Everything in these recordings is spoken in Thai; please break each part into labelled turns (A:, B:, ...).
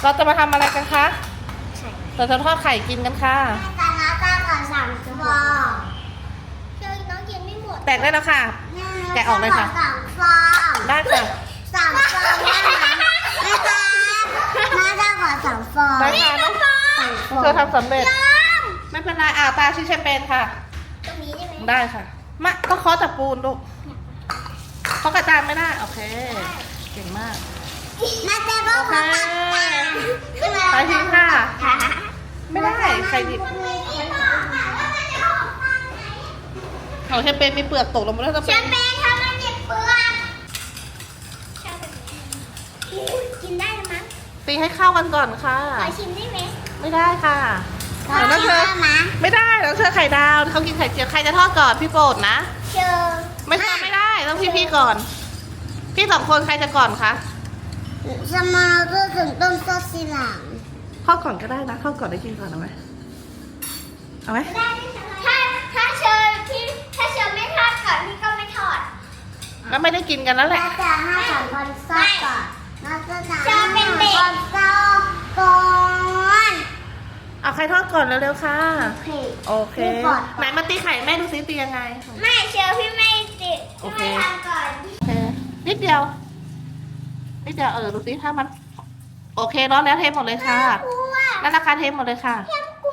A: เราจะมาทำอะไรกันคะเราจะทอดไข่กินกันค่ะ
B: แต่น้าตาก่อน3 ฟองเชื่อน้องกินไม่หมด
A: แตกได้แล้วค่ะแกะออกเลยค่ะ
B: 3 ฟอง
A: ได้ค่ะ
B: 3 ฟองนะคะน้าตาก่อน3 ฟอง
A: ได้ค่ะน้องเธอทำสำเร็จไม่เป็นไรตาชิแชมเปญค่ะ
B: ตรงนี้ได้ไหม
A: ได้ค่ะมาก็เคาะตะปูนลูกเคาะกระจานไม่ได้โอเคเก่งมาก
B: น้าตาก็ขอตัก
A: ไปทิ้งค่ะไม่ได้ใครหยิบของแชมเปญมีเปลือกตกลงมาแล้วจะ
B: แช
A: เป็น
B: มเปญทำมันเจ็บเปลือกกินได้ไหมมั้ง
A: ตีให้เข้ากันก่อนค่ะ
B: ขอชิมได้ไหม
A: ไม่ได้ค่ะเดี๋ยวน้องเธอไม่ได้น้องเธอไข่ดาวเขากินไข่เจียวใครจะทอดก่อนพี่โปรดนะไม่ทอดไม่ได้ต้องพี่ก่อนพี่2 คนใครจะก่อนคะ
B: สมาร์ทถึงต้นซอสสีหลัง
A: ทอดก่อนก็ได้นะทอดก่อนได้กินก่อนเอาไหม
B: ถ้าเชิญไม่ทอดก่อนพี่ก็ไม่ทอด
A: แล้วไม่ได้กินกันแล้วแหละ
B: น่าจะ5 คนซอสก่อนน่าจะเป็นเด็กคนซอสก่อน
A: เอาใครทอดก่อนเร็วๆค่ะโอเคไหนมาตีไข่แม่ดูซิตียังไง
B: ไม่เชื่อพี่ไม่ติด
A: โอเค
B: ทำก่อน
A: นิดเดียวดูซิถ้ามันโอเคร้อนแล้วเทหมดเลยค่ะนั่นราคาเทหมดเลยค่ะ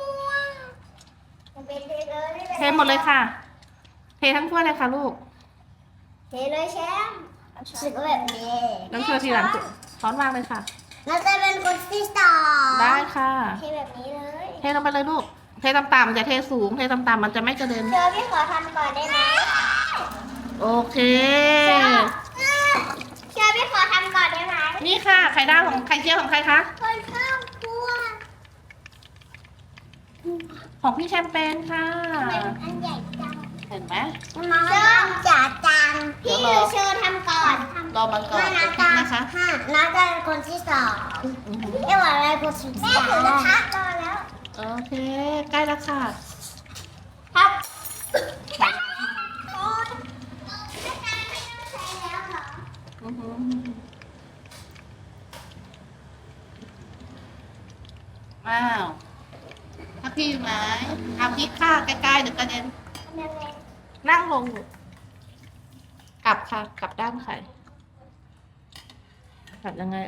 A: เทหมดเลยค่ะเททั้งถ้วยเลยค่ะลูก
B: เทเลยแชมป์สึกแบบนี้
A: น้องเชอทีหลังช้อนวางเลยค่ะ
B: เราจะเป็นคนที่2
A: ได้ค่ะ
B: เทแบบนี้เลย
A: เทลงไปเลยลูกเทต่ำๆอย่าเทสูงเทต่ำๆมันจะไม่กระเด็น
B: เชิญพี่ขอทำก่อนได้ไหม
A: โอเค
B: เชิญพี่ขอทำก่อนได้ไหม
A: นี่ค่ะไข่ดาวของไข่เจียวของใครคะ
B: คนข้าวคั่ว
A: ของพี่แชมเปญค่ะ
B: อันใหญ่จัง
A: เห็นไหม
B: น้องจ๋าจังพี่เชิญทำก่อน
A: รอมันก่อน
B: นะคะน้าจะเป็นคนที่2เอวอะไรคนที่3แม่ถือกระทะรอแล้ว
A: โอเคใกล้แล้วค่ะ
B: ครับ
A: ว้าวถ้าพี่อยู่ไหนเอาพริกข้าใกล้ๆเดี๋ยวกระเด็นนั่งลงกลับค่ะกลับด้านไข่กลับยังไง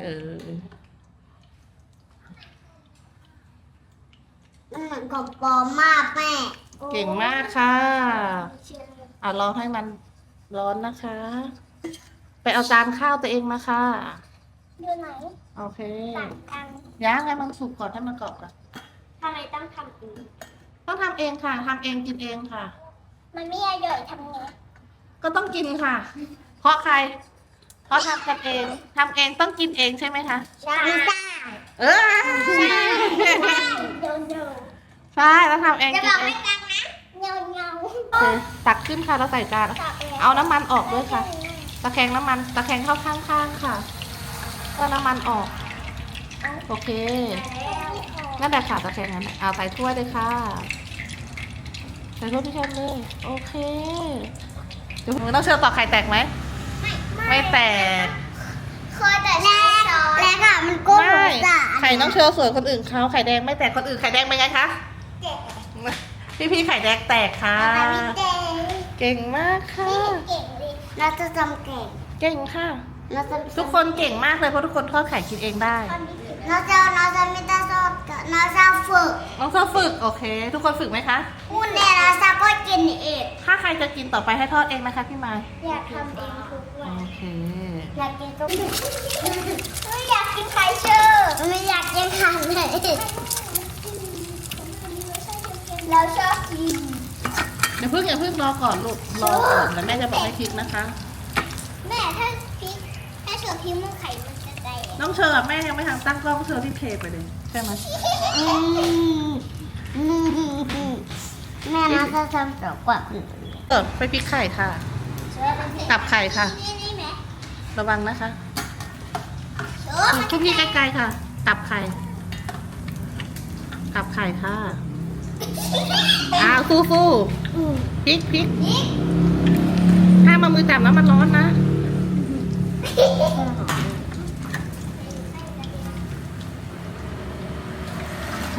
B: มันเหมือนกับปอมมากแม่
A: เก่งมากค่ะรอให้มันร้อนนะคะไปเอาจานข้าวตัวเองมาค่ะ
B: อยู่ไหน
A: โอเคย่างให้มันสุกก่อนให้มันกรอบก่อน
B: ทำไมต้องทำเอง
A: ต้องทำเองค่ะทำเองกินเองค่ะ
B: มันไม่อร่อยทำไง
A: ก็ต้องกินค่ะเพราะใครเพราะทำกันเองทำเองต้องกินเองใช่ไหมคะ
B: ใช่
A: ใช่แล้วทำเอง
B: จะบอกไม่ตังนะเงา
A: ตักขึ้นค่ะแล้วใส่จานเอาน้ำมันออกด้วยค่ะตะแคงน้ำมันตะแคงเข้าข้างๆค่ะก็น้ำมันออกโอเคนั่นแหละค่ะตะแคงนั้นเอาใส่ถ้วยเลยค่ะใส่ถ้วยพี่ชมเลยโอเคเดี๋ยวน้องเชื่อต่อไข่แตกไหมไม่แตก
B: เคยแต่แล้วค่ะมันก้ม
A: ไข่น้องเชื่อสวยคนอื่นเขาไข่แดงไม่แตกคนอื่นไข่แดงเป็นไงคะพี่ไข่แดงแตกค่ะเก่งมากค่ะ
B: เราจะจำ
A: เก่งค่ะทุกคนเก่งมากเลยเพราะทุกคนทอดไข่กินเองได้
B: เราจะไม่ได้ทอดเราจะฝึก
A: น้องเธอฝึกโอเคทุกคนฝึกไหมคะ
B: คุณเนี่ยเราจะก็กินเอง
A: ถ้าใครจะกินต่อไปให้ทอดเองนะคะพี่มา
B: อยากทำเองทุกวัน
A: โอเค
B: อยากกินทุกไม่อยากกินไข่เชื่อไม่อยากกินไข่เลยเราชอบกิน
A: อย่าเพิ่งรอก่อนลูกรอก่อนแล้วแม่จะบอกให้พริกนะคะ
B: แม่ถ้าพริกถ้าเชื่อพริกมันไข่มันจะแตก
A: น้องเชอแม่ยังไม่ทำตั้งกล้องเชอที่เทไปเลยใช่ไหม
B: แม่น่าจะทำสวยกว่า
A: ไปพริกไข่ค่ะตับไข่ค่ะระวังนะคะทุกที่ใกล้ๆค่ะตับไข่ค่ะฟูพริกถ้ามามือจับแล้วมันร้อนนะ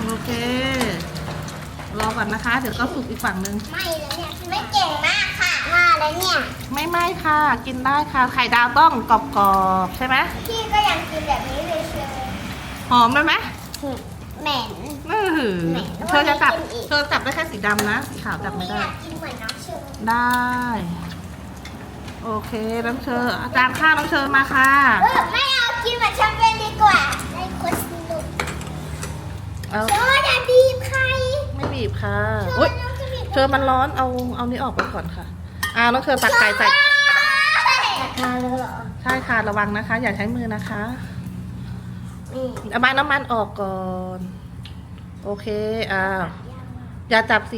A: โอเค รอก่อนนะคะ เดี๋ยวก็สุกอีกฝั่งหนึ่ง
B: ไม่แล้วเนี่ยไม่เก่งมากค่ะว่าแล้วเนี่ย
A: ไม่ค่ะ กินได้ค่ะ ไข่ดาวต้องกรอบๆใช่ไหม
B: พี่ก็ยังกินแบบนี้เลยเชียว
A: หอมไหม
B: เหม็น
A: เธอจะจับเธอจับได้แค่สีดำนะสีขาวจับไม่ได้
B: อยากกินเหมือนน้องเชอร์
A: ได้ โอเคน้องเชออาจารย์ข้าวน้องเชอมาค่ะ
B: ไม่เอากินเหมือนแชมเปี้ยนดีกว่าได้คนสนุก
A: เอา
B: เชอร์อย่าบีบใคร
A: ไม่บีบค่ะ
B: เชอ
A: อุ้ย
B: ร์น้องจะบีบ
A: เชอมันร้อนเอานี้ออกไปก่อนค่ะน้องเชอตักไก่ใส่
B: มาเลยเหรอ
A: ใช่ค่ะระวังนะคะ อย่าใช้มือนะคะ
B: นี่
A: เอามาน้ำมันออกก่อน โอเคอย่าจับสี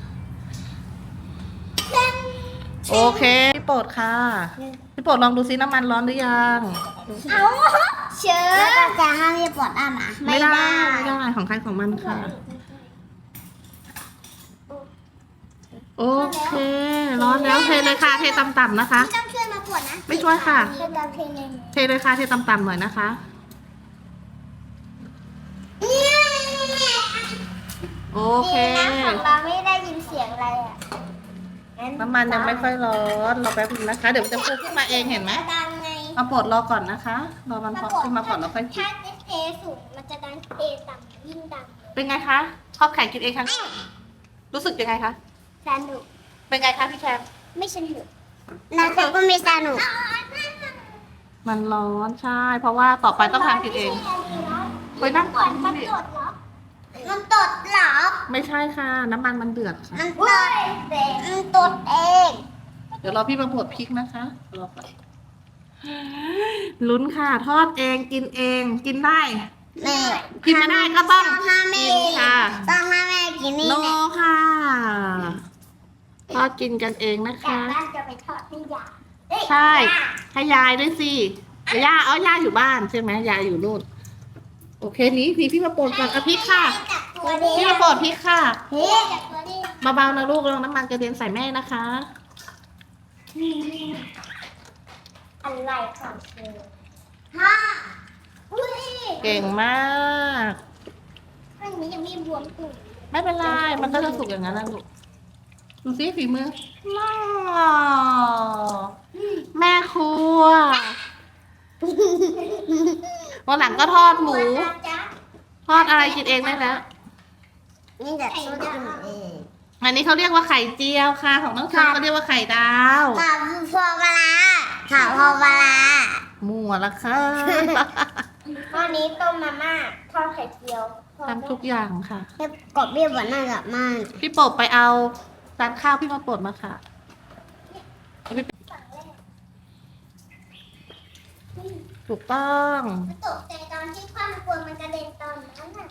A: โอเคพี่โปรดค่ะพี่โปรดลองดูซิน้ำมันร้อนหรือยัง
B: เอาเชอร์จะห้ามพี่ปวดอ่ะนะ
A: ไม่ได้ของใครของมันค่ะ โอเค ร้อนแล้วเทเลยค่ะเทต่ำๆนะคะ
B: พี่ต้องช่วยมาปวดนะ
A: ไม่ช่วยค่ะ
B: ช่วยตามเพลงเลย
A: เทเลยค่ะเทต่ำๆหน่อยนะคะ โอเค
B: ดีนะของเราไม่ได้ยินเสียงอะไรอ่ะ
A: น้ำมันยังไม่ค่อยร้อนรอแป๊บนึงนะคะ เดี๋ยวจะฟูขึ้นมาเองเห็นไหม
B: ดังไง
A: เอาโปรดรอก่อนนะคะรอมันพอขึ้นมาก่อนแล้วค่อยกิน
B: ถ้าเทสูงมันจะดังเทต่ำยิ่งดัง
A: เป็นไงคะชอบไข่กินเองครั้งแรกรู้สึกยังไงคะ
B: สนุก
A: เป็นไงคะพี่แชมป์
B: ไม่สนุกนะแต่ก็ไม่สนุก
A: มันร้อนใช่ เพราะว่าต่อไปต้องทำกินเองไปนั่งก่อน
B: มัน
A: ดิ
B: ตดเหรอ มันตดเหรอ
A: ไม่ใช่ค่ะ น้ำมันมันเดือดค่ะ
B: มันตดมันตดเอง
A: เดี๋ยวรอพี่มาบดพริกนะคะรอก่อนลุ้นค่ะ ทอดเองกินเองกินได้
B: แม่
A: กินไม่ได้ก็ต้อง
B: ห้ามแม่
A: กินค่ะ
B: ต้องห้ามแม่กินนี่
A: โน
B: แหละ
A: ค่ะทอดกินกันเองนะ
B: จาก
A: คะ
B: บ้านจะไปทอดให้ยายเอ้ย
A: ใช่
B: ย่า
A: ให้ยายด้วยสิย่าย่าอยู่บ้านใช่ไหมยายอยู่นู่นโอเคนี้พี่มาโปรดก่อนเอาพริกค่ะ
B: จับตัวเดี
A: พี่
B: ยว
A: มาโปรดพริกค่ะ
B: เฮ้ยจับตัวเดียว
A: เบาๆนะลูกลองน้ำมันกระเด็นใส่แม่นะคะ
B: อะไรของเธอฮ่าอุ้ย
A: เก่งมาก
B: อันนี้ยังไม่บวมตุ่ม
A: ไม่เป็นไรมันก็จะสุกอย่างนั้นแหละลูกดูสิฝีมือว้าวแม่ครัววันหลังก็ทอดหมู ทอดอะไรกินเองได้แล้ว
B: นี่จะสู้กินเอง
A: อันนี้เขาเรียกว่าไข่เจียวค่ะ ของน้องเชอเขาเรียกว่าไข่ดาว
B: กับพวงมาลาค่ะพวงมาลา
A: มั่วละค่ะ
B: ตอนนี้ต้มมาม่าทอดไข่เจียว
A: ทำทุกอย่างค่ะ
B: กบเบี้ยบนหน้ากับมัน
A: พี่โปรดไปเอาจานข้าวพี่มาโปรดมาค่ะ ถูกต้อง
B: ตกใจตอนที่ความกลัวมันกระเด็นตอนนั้นน่ะ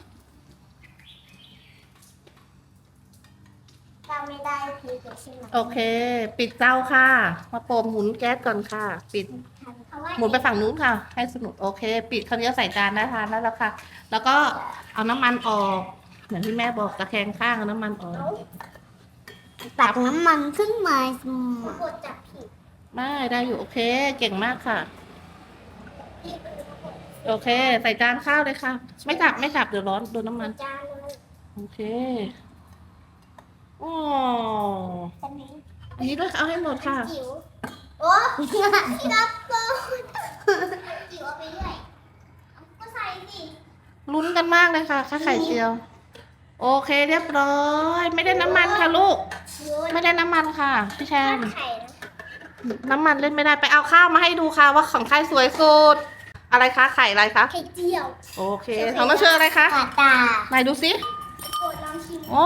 B: เราไม่ได้พีกใช่ไหม
A: โอเค ปิดเตาค่ะ มาโปรดหมุนแก๊สก่อนค่ะ ปิด หมุนไปฝั่งนู้นค่ะ ให้สนุกโอเค ปิดคราวนี้ใส่จานได้ทานได้แล้วค่ะ แล้วก็เอาน้ำมันออกเหมือนที่แม่บอกตะแคงข้างเอาน้ำมันออก
B: ตักน้ำมันขึ้นมาปวดจับผิด
A: ไม่ได้อยู่โอเค เก่งมากค่ะ โอเค ใส่จานข้าวเลยค่ะ ไม่จับเดี๋ยวร้อนโดนน้ำมัน
B: จานเลย
A: โอเคอ๋อ
B: อันนี้
A: อันนี้ด้วยเอาให้หมดค่ะ
B: จิ๋วโอ้ที่รับโกนจิ๋วเอาไปด้วยเอาก็ใส่สิ
A: ลุ้นกันมากเลยค่ะข้าวไข่เจียว โอเคเรียบร้อย ไม่ได้น้ำมันค่ะลูก ไม่ได้น้ำมันค่ะพี่แชม
B: ไข่นะ
A: น้ำมันเล่นไม่ได้ไปเอาข้าวมาให้ดูค่ะว่าของใครสวยสุด อะไรคะไข่อะไรคะ
B: ไข่เจียว
A: โอเคของน้องเชออะไรคะ
B: ปลาตา
A: ไหนดูสิ
B: โปรดลองชิม
A: โอ้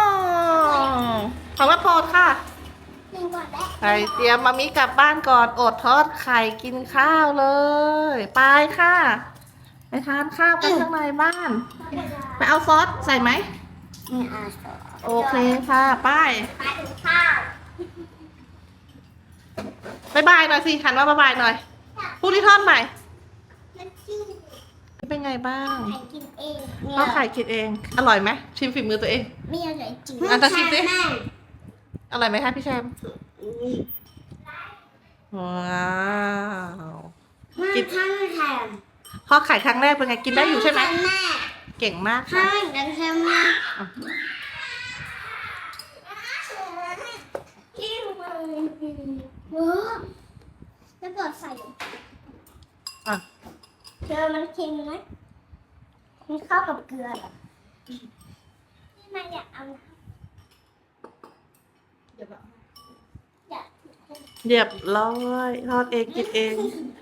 A: ของแม่โปรดค่ะ
B: หนึ่งก่อนได้
A: ไข่เตรียมมามีกลับบ้านก่อนอดทอดไข่กินข้าวเลย ไปค่ะ ไปทานข้าวกันข้างในบ้าน ไปเอาซอสใส่ไหม
B: ไม่เอาซอส
A: โอเคค่ะไป้าย
B: ไปถึงข้าว
A: บายบายหน่อยสิหันมาบายบายหน่อยพูดที่ทอดใหม่
B: มันชื่อ
A: เป็นไงบ้าง
B: ไข่กินเอง
A: ทอดไข่กินเอง อร่อยไหมชิมฝีมือตัวเอง
B: ไม่อร่อยจริง
A: อ่ะจะชิมสิ อร่อยไหมคะพี่แชมป์ว้าว
B: กินข้าวแถม
A: ทอดไข่ครั้งแรกเป็นไงกินได้อยู่ใช่ไหม
B: แม่
A: เก่งมากค่ะ
B: ใช่กันใช่ไหม
A: อ่ะ
B: ที่มันแล้วก็ใส่
A: อ่ะ
B: เกลือมันเค็มไหมมันเข้ากับเกลือเหรอที่มันอยากเอาอยาก
A: เรียบร้อยทอดเองกินเอง
B: เ